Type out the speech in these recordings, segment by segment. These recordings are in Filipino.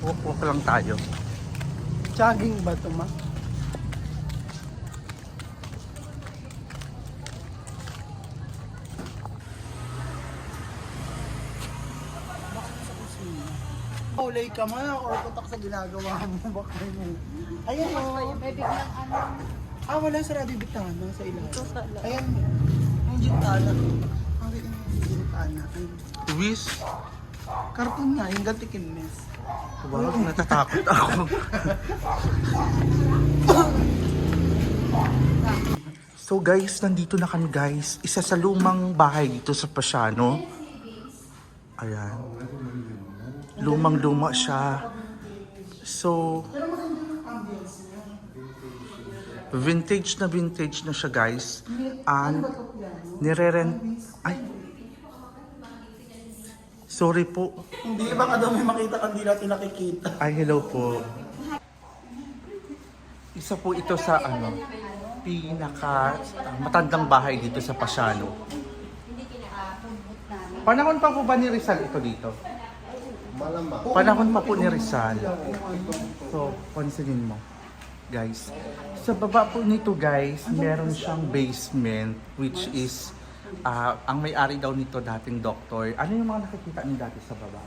Walk lang tayo. Jogging ba ito, ma? Ulay ka man, or putak sa ginagawa mo. Baka mo. Ayan o. May biglang ano. Wala sarado yung bitana sa ilalim. Ito sa loob. Ayan. Ang gintana. Ang gintana. Wish. Karton nga, yung gantikin mes. Wow, natatakot ako. So guys, nandito na kami guys. Isa sa lumang bahay dito sa Pasiano. Ayan. Lumang-luma siya. So, vintage na siya guys. And, nire-rent. Ay. Sorry po. Hindi, baka daw may makita ka, hindi natin nakikita. Ay, hello po. Isa po ito sa pinaka matandang bahay dito sa Pasiano. Panahon pa po ba ni Rizal ito dito? Panahon pa po ni Rizal. So, pansinin mo, guys. Sa baba po nito, guys, meron siyang basement, which is, ang may-ari daw nito dating doktor. Ano yung mga nakikita niyo dati sa baba?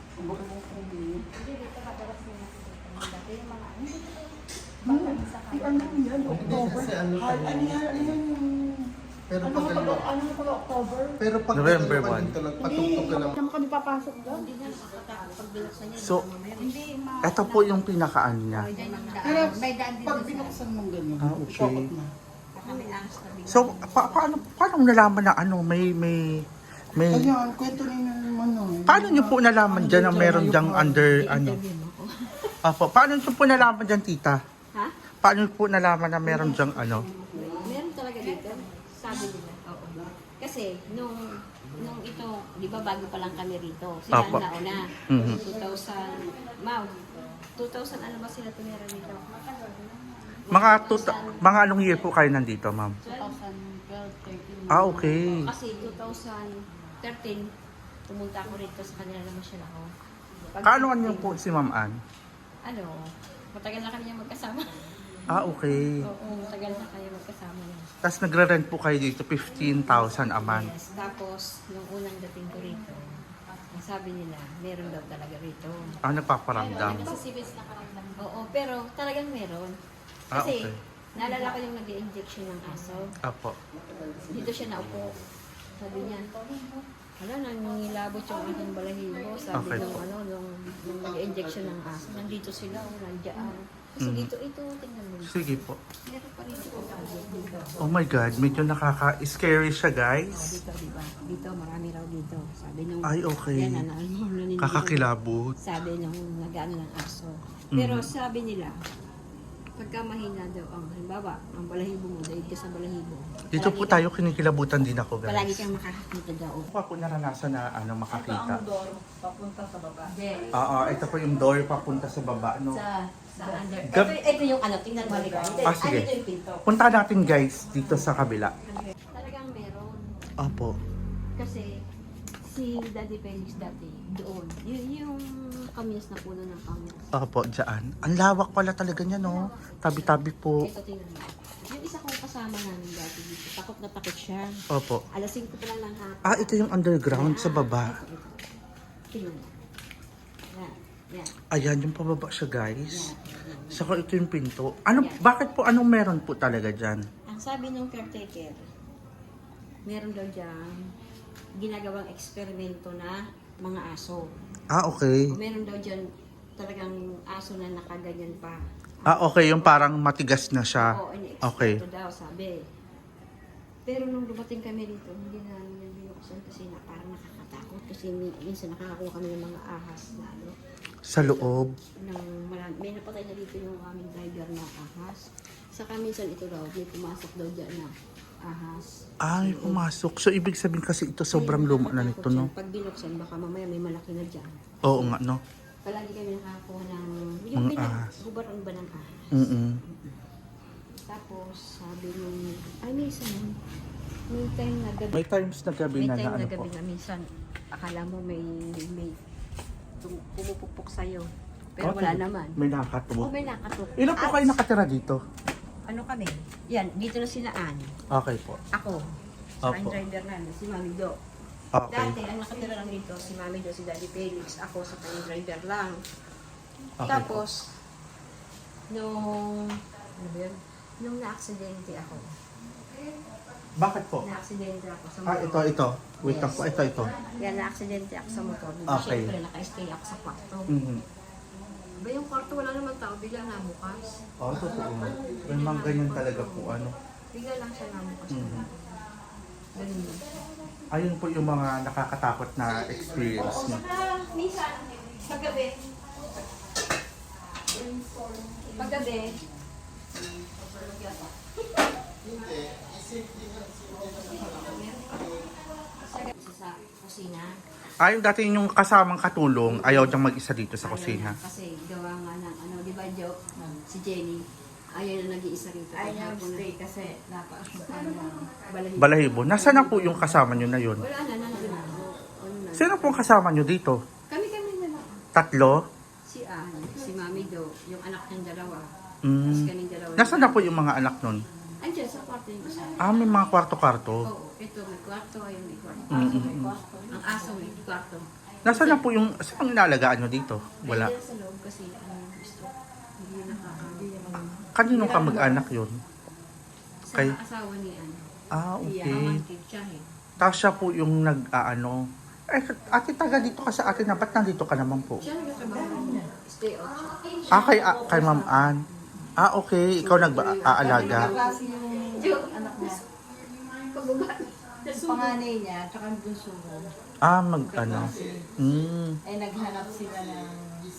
Ano yan? October? Ano yan? Pero Ano pag pag October? pero pag November dalawa 1. dito nagpatugtog ka lang. Saan kami papasok doon? Hindi na nakakatakot pag binuksan niya. So, Hindi, ito po yung pinakaano niya. Pero may daan din pag doon sa binuksan mong ganyan, Okay. shokot na. baka may ahas na bigla. So, paano nalaman na may Ayan, kwento ninyo naman no. paano niyo po nalaman dyan na meron dyang under, Interview mo ako. paano niyo po nalaman dyan, tita? Ha? Paano niyo po nalaman na meron dyang Meron talaga dito. Sabi nila. Oo. Kasi nung ito, di ba bago pa lang kami rito. Sila Apo. ang nauna. Mhm. 2000 ano ba sila tumira rito? Mga anong year po kayo nandito, ma'am? 2012, 13. Okay. Kasi 2013, pumunta ako rito sa kanila naman siya ako. Kaanoan niyo po si Ma'am Ann? Ano, matagal na kami niya magkasama. Okay. Oo, matagal na kayo magkasama niya. Tapos nagre-rent po kayo dito 15,000 a month. Yes, tapos, nung unang dating ko rito, ang sabi nila, meron daw talaga rito. Nagpaparamdam. Oo, pero talagang meron. Kasi, Okay. naalala ko yung nag-i-injection ng aso. Apo. Dito siya naupo. Sabi niya, wala, nangingilabot yung aking balahibo. Sabi Okay. nung nag-injection ng aso, nandito sila, nandiyan. Kasi dito, tingnan mo. Sige po. Meron pa rin dito. Dito. Oh my God, medyo nakaka-scary siya, guys. Dito, diba? Dito, marami raw dito. Sabi nung, Ay, okay. yan, naniniwala. Kakakilabot. Sabi nung nag-ano ng aso. Pero sabi nila, pagka mahina daw ang halimbawa, ang balahibo mo, dahil ka sa balahibo. Dito po tayo kinikilabutan din ako, Palagi guys. kang makakakita daw. Ako pa po naranasan na makakita. door, papunta sa baba. Yes. Ito po yung door papunta sa baba, no? Sa under. Gab- Ito yung ano, tingnan mo rin. sige. Ito yung pinto. Punta natin, guys, dito sa kabila. Talagang meron. Opo. Kasi si Daddy Felix dati doon. Yung kamias na puno ng kamias. Opo, dyan. Ang lawak pala talaga niya, no? Tabi-tabi po. Ito tingnan mo. Yung isa kong kasama namin dati dito, takot na takot siya. Opo. Alas 5 pa lang ng hapon. Ito yung underground sa baba. Tingnan mo. Yan. Yan. Ayan, yung pababa siya, guys. Yan. Saka ito yung pinto. Bakit po, anong meron po talaga dyan? Ang sabi ng caretaker, meron daw dyan ginagawang eksperimento na mga aso. Okay. O meron daw dyan talagang aso na nakaganyan pa. Okay, yung parang matigas na siya. Oo, Okay. ini-eksperto daw, sabi. Pero nung dumating kami dito, hindi na namin yung binuksan kasi parang nakakatakot. Kasi minsan nakakakuha kami ng mga ahas na ano. Sa loob. May napatay na dito yung aming driver na ahas. Saka minsan ito daw, may pumasok daw dyan na ahas. Ay, pumasok. So, ibig sabihin kasi ito sobrang luma na nito, no? Pag binuksan, baka mamaya may malaki na dyan. Oo nga, no? Palagi kami nakakakuha ng Mga ahas. gubaron ba ng ahas. Tapos, sabi nung, may time na gabi. May times na gabi May na time na na ano po. gabi na minsan, akala mo may pumupukpok sa'yo. Pero wala naman. May O nakakatuwa. may nakatok. Ilan po kayo nakatira dito? Ano kami? Yan, dito na sila Ann. Okay po. Ako. Sa Opo. driver namin, si Mami Do. Okay. Dati, ang nakatira lang dito, si Mami Do, si Daddy Felix. Ako sa kanyang driver lang. Okay Tapos, nung, ano ba yun? Nung na-aksidente ako. Bakit po? Na-aksidente ako sa Ah, motor. ito. Wait lang po. Ito. Yan, na-aksidente ako sa motor. Okay. Siyempre, naka-stay ako sa kwarto. Mhm. Ba yung kwarto, wala naman tao, bigla namukas. Oh, totoo. May mga ganyan talaga po, ano. Bigla lang siya namukas. Mhm. Ganun yun. Ayun po yung mga nakakatakot na experience niyo. Minsan, paggabi. Paggabi. Sa kusina. Ah, yung dati yung kasamang katulong, ayaw niyang mag-isa dito sa kusina. Kasi gawa nga ng ano, di ba joke, si Jenny, ayaw na nag-iisa rito. Ayaw stay kasi napakasukan ng Balahibo. Balahibo. Nasaan na po yung kasama niyo na yun? Wala na, nandun na. Ano na. Sino po ang kasama niyo dito? Kami na lang. Tatlo? Si Ann, si Mami Do, yung anak niyang dalawa. Tapos Mm. kaming dalawa. Nasaan na po yung mga anak nun? Andiyan sa kwarto yung isa. Ah, may mga kwarto-kwarto. Oo, ito may kwarto, ayun may kwarto. Mm-mm. Ang aso may kwarto. Nasaan na po yung, saan ang inalagaan niyo dito? Wala. Nandiyan sa loob kasi ano gusto. Hindi nakakabili. Kanino ka mag-anak yun? Sa Kay- asawa ni Ann. Ah, Iya, okay. pamangkin siya eh. Tapos siya po yung nag-aano. Eh, ate, taga dito ka sa atin na. Ba't nandito ka naman po? Siya nagtatrabaho niya. Stay out siya. Ah, kay Ma'am Ann. Ah, okay. Ikaw nag-aalaga. klase yung anak niya. Pababa. Yung panganay niya, tsaka yung bunso mo, Ah, mag-ano. ay naghanap sila ng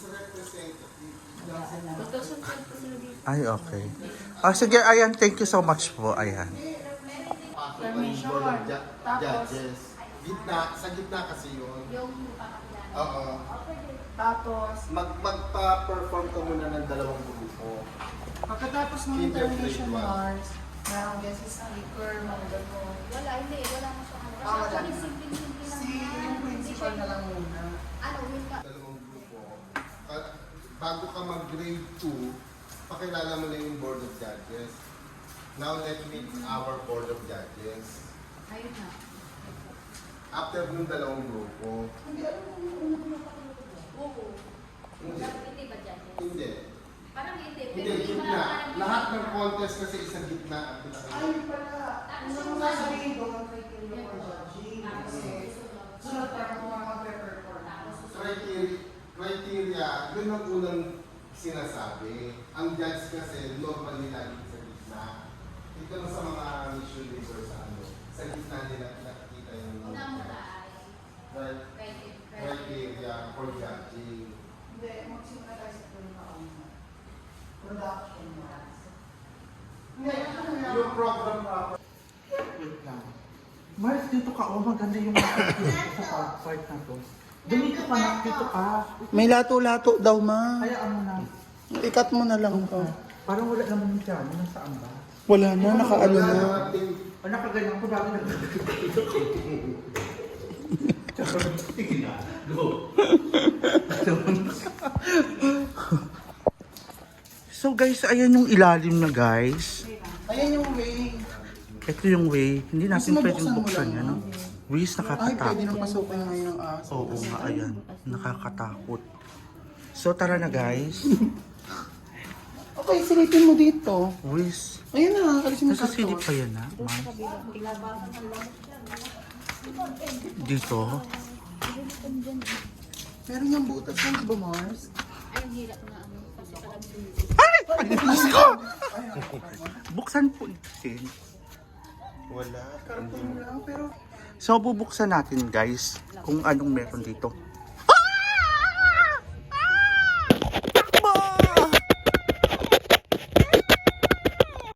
Tutusun pa sila dito. Ay, okay. Ah, sige, ayan. Thank you so much po. Ayan. Board of Judges. Sa gitna kasi yun. Oo. Tapos, Magpa-perform ka muna ng dalawang grupo. pagkatapos ng Interpretation intermission Mars, meron guest speaker, mga gano'n. Wala, hindi. Wala mo siya. Ah, wala. Actually, simple-simple lang. Si yung principal na lang muna. Ano, yun ka. Dalawang grupo. At bago ka mag-grade 2, pakilala mo na yung Board of Judges. Now let's meet our Board of Judges. Ayun na. After nung dalawang grupo. Oo. Hindi. Hindi ba dyan? Hindi. Parang hindi. Hindi, gitna. Lahat ng contest kasi isang gitna ang pinakita. Ano mo sasabihin doon ang criteria for judging? Kasi, sunod para kung mga mag-perform. Criteria, yun ang unang sinasabi. Ang judge kasi normally lagi sa gitna. Ito na sa mga mission leaders sa ano. Sa gitna nila nakikita yung criteria for judging. Hindi, magsimula tayo sa production Mars. Hindi, ano lang. Yung program proper. Wait lang. Mars, dito ka. Oh, maganda yung mga sa part na to. Dito ka na. Dito ka. May lato-lato daw, ma. Hayaan mo na. Ikat mo na lang ko. Parang wala naman yung dyan. Nasaan ba? Wala na, nakaano na. O, nakaganyan ko. Bakit nagdito ko? Sige na. Go. So guys, ayan yung ilalim na guys. Ayan yung way. Ito yung way. Hindi natin Mas pwedeng mabuksan mo buksan lang, yan. No? no? Ways, Ay, pwede nakakatakot. nang pasukin ngayon ng aso. Oo nga, ayan. Nakakatakot. So tara na guys. Okay, silipin mo dito. Ways. Ayan na, kalisin mo Nasa silip pa yan ha? Ma'am? Dito. Meron yung butas mo, di ba, Mars? Diyos ko! Buksan po natin. Wala. Karton lang, pero So bubuksan natin guys kung anong meron dito.